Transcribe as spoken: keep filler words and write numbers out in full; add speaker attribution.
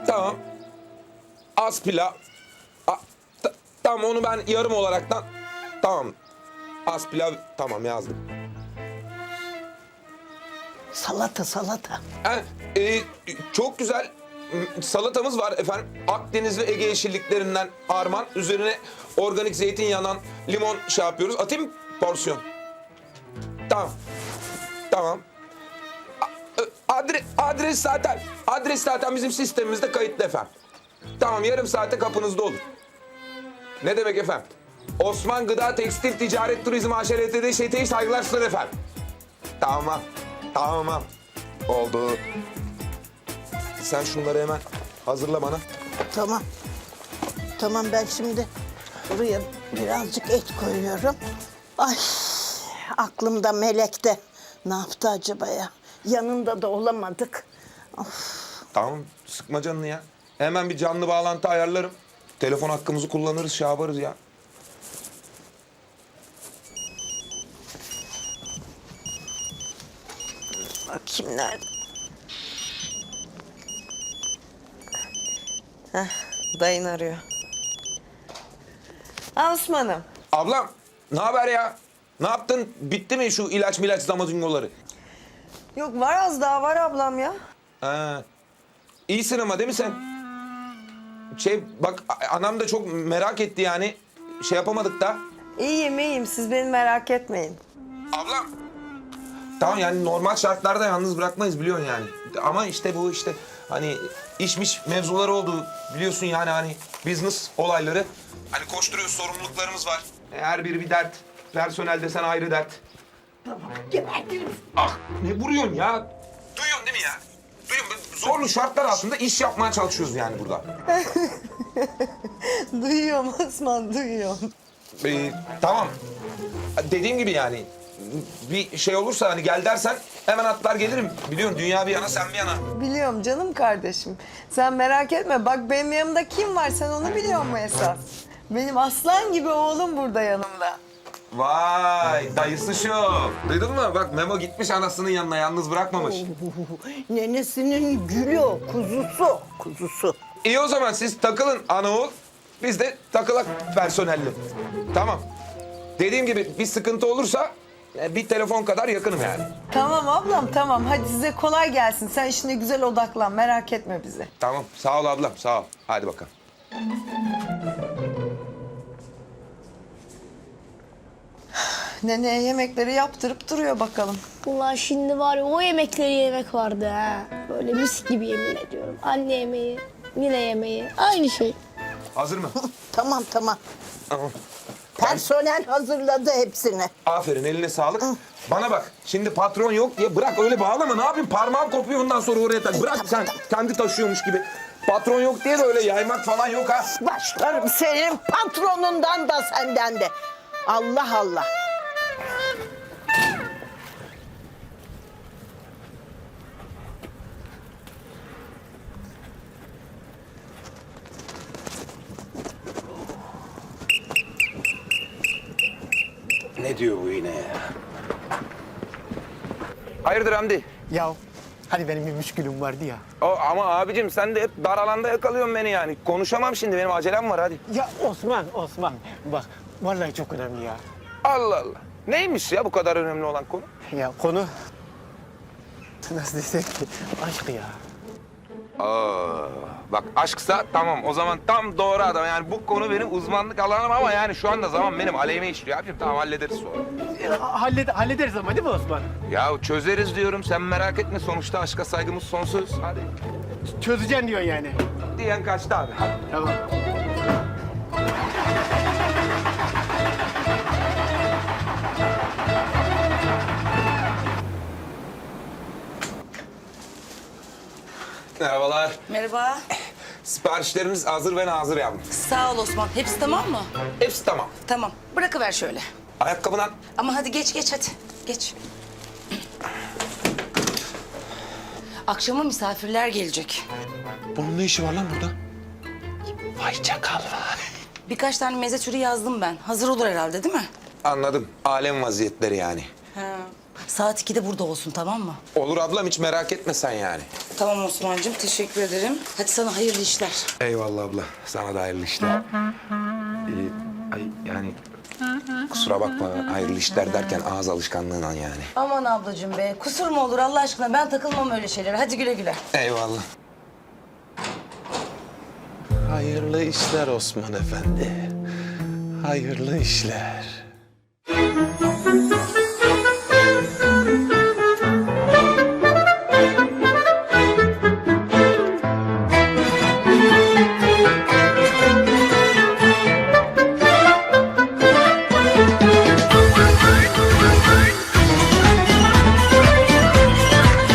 Speaker 1: Tamam. Az pilav. A, ta- tamam onu ben yarım olaraktan... Tamam. Az pilav tamam yazdım.
Speaker 2: Salata salata.
Speaker 1: Ha, e, çok güzel salatamız var efendim. Akdeniz ve Ege yeşilliklerinden arman. Üzerine organik zeytinyağından limon şey yapıyoruz. Atayım mı porsiyon? Tamam. Tamam. A- Adre, adres zaten, adres zaten bizim sistemimizde kayıtlı efendim. Tamam, yarım saate kapınızda olur. Ne demek efendim? Osman Gıda Tekstil Ticaret Turizm A Ş L T D ŞT'yi saygılar sunar efendim. Tamam, tamam. Oldu. Sen şunları hemen hazırla bana.
Speaker 2: Tamam. Tamam ben şimdi buraya birazcık et koyuyorum. Ay aklımda Melek'te. Ne yaptı acaba ya? Yanında da olamadık. Of.
Speaker 1: Tamam, sıkma canını ya. Hemen bir canlı bağlantı ayarlarım. Telefon hakkımızı kullanırız, şey yaparız ya.
Speaker 2: Bakayım nerede? Heh, dayın arıyor. Ha, Osman'ım.
Speaker 1: Ablam, ne haber ya? Ne yaptın? Bitti mi şu ilaç milaç zamazingoları?
Speaker 3: Yok var az daha var ablam ya.
Speaker 1: Ha. İyisin ama değil mi sen? Şey bak a- anam da çok merak etti yani. Şey yapamadık da.
Speaker 3: İyiyim iyiyim siz beni merak etmeyin.
Speaker 1: Ablam. Tamam yani normal şartlarda yalnız bırakmayız biliyorsun yani. Ama işte bu işte hani işmiş mevzuları oldu biliyorsun yani hani business olayları. Hani koşturuyoruz, sorumluluklarımız var. Her biri bir dert. Personel desen ayrı dert.
Speaker 2: Tamam gebertiriz.
Speaker 1: Ah ne vuruyorsun ya? Duyuyorsun değil mi ya? Duyuyorum. Zorlu şartlar altında iş yapmaya çalışıyoruz yani burada.
Speaker 3: Duyuyorum Osman duyuyorum.
Speaker 1: Ee, tamam. Dediğim gibi yani bir şey olursa hani gel dersen hemen atlar gelirim. Biliyorsun dünya bir yana sen bir yana.
Speaker 3: Biliyorum canım kardeşim. Sen merak etme bak benim yanımda kim var sen onu biliyor musun esas? Benim aslan gibi oğlum burada yanımda.
Speaker 1: Vay dayısı şu. Duydun mu? Bak Memo gitmiş anasının yanına yalnız bırakmamış.
Speaker 2: Nenesinin gülü o, kuzusu, kuzusu.
Speaker 1: İyi o zaman siz takılın ana oğul. Biz de takılak personelli. Tamam. Dediğim gibi bir sıkıntı olursa e, bir telefon kadar yakınım yani.
Speaker 3: Tamam ablam tamam hadi size kolay gelsin. Sen işine güzel odaklan merak etme bizi.
Speaker 1: Tamam sağ ol ablam sağ ol. Hadi bakalım.
Speaker 3: Neneye yemekleri yaptırıp duruyor bakalım.
Speaker 4: Vallahi şimdi var ya o yemekleri yemek vardı ha. Böyle mis gibi yemin ediyorum. Anne yemeği, yine yemeği. Aynı şey.
Speaker 1: Hazır mı?
Speaker 2: Tamam tamam.
Speaker 1: Tamam.
Speaker 2: Personel hazırladı hepsini.
Speaker 1: Aferin eline sağlık. Bana bak şimdi patron yok diye bırak öyle bağlama. Ne yapayım parmağım kopuyor ondan sonra oraya tak. Bırak sen kendi taşıyormuş gibi. Patron yok diye de öyle yaymak falan yok ha.
Speaker 2: Başlarım senin patronundan da senden de. Allah Allah.
Speaker 1: Ne diyor bu yine ya? Hayırdır Hamdi?
Speaker 5: Ya hani benim bir müşkülüm vardı ya.
Speaker 1: O, ama abicim sen de hep dar alanda yakalıyorsun beni yani. Konuşamam şimdi benim acelem var hadi.
Speaker 5: Ya Osman, Osman bak vallahi çok önemli ya.
Speaker 1: Allah Allah. Neymiş ya bu kadar önemli olan konu?
Speaker 5: Ya konu nasıl desek ki aşk ya.
Speaker 1: Aa, bak aşksa tamam o zaman tam doğru adam. Yani bu konu benim uzmanlık alanım ama yani şu anda zaman benim aleyhime işliyor abicim. Tamam hallederiz sonra.
Speaker 5: Ya, halled hallederiz ama değil mi Osman?
Speaker 1: Ya çözeriz diyorum sen merak etme sonuçta aşka saygımız sonsuz. Hadi.
Speaker 5: Çözeceksin diyorsun yani.
Speaker 1: Diyen kaçtı abi hadi.
Speaker 5: Tamam.
Speaker 1: Merhabalar.
Speaker 6: Merhaba.
Speaker 1: Siparişleriniz hazır ve nazır yavrum.
Speaker 6: Sağ ol Osman. Hepsi tamam mı?
Speaker 1: Hepsi tamam.
Speaker 6: Tamam. Bırakıver şöyle.
Speaker 1: Ayakkabıdan
Speaker 6: Ama hadi geç geç hadi. Geç. Akşama misafirler gelecek.
Speaker 1: bunun ne işi var lan burada?
Speaker 5: Vay çakal.
Speaker 6: Birkaç tane meze türü yazdım ben. Hazır olur herhalde değil mi?
Speaker 1: Anladım. Alem vaziyetleri yani.
Speaker 6: Ha. Saat ikide burada olsun, tamam mı?
Speaker 1: Olur ablam, hiç merak etme sen yani.
Speaker 6: Tamam Osman'cığım, teşekkür ederim. Hadi sana hayırlı işler.
Speaker 1: Eyvallah abla. Sana da hayırlı işler. Ee, ay yani kusura bakma, hayırlı işler derken ağız alışkanlığından yani.
Speaker 6: Aman ablacığım be, kusur mu olur Allah aşkına? Ben takılmam öyle şeylere. Hadi güle güle.
Speaker 1: Eyvallah.
Speaker 5: Hayırlı işler Osman Efendi. Hayırlı işler.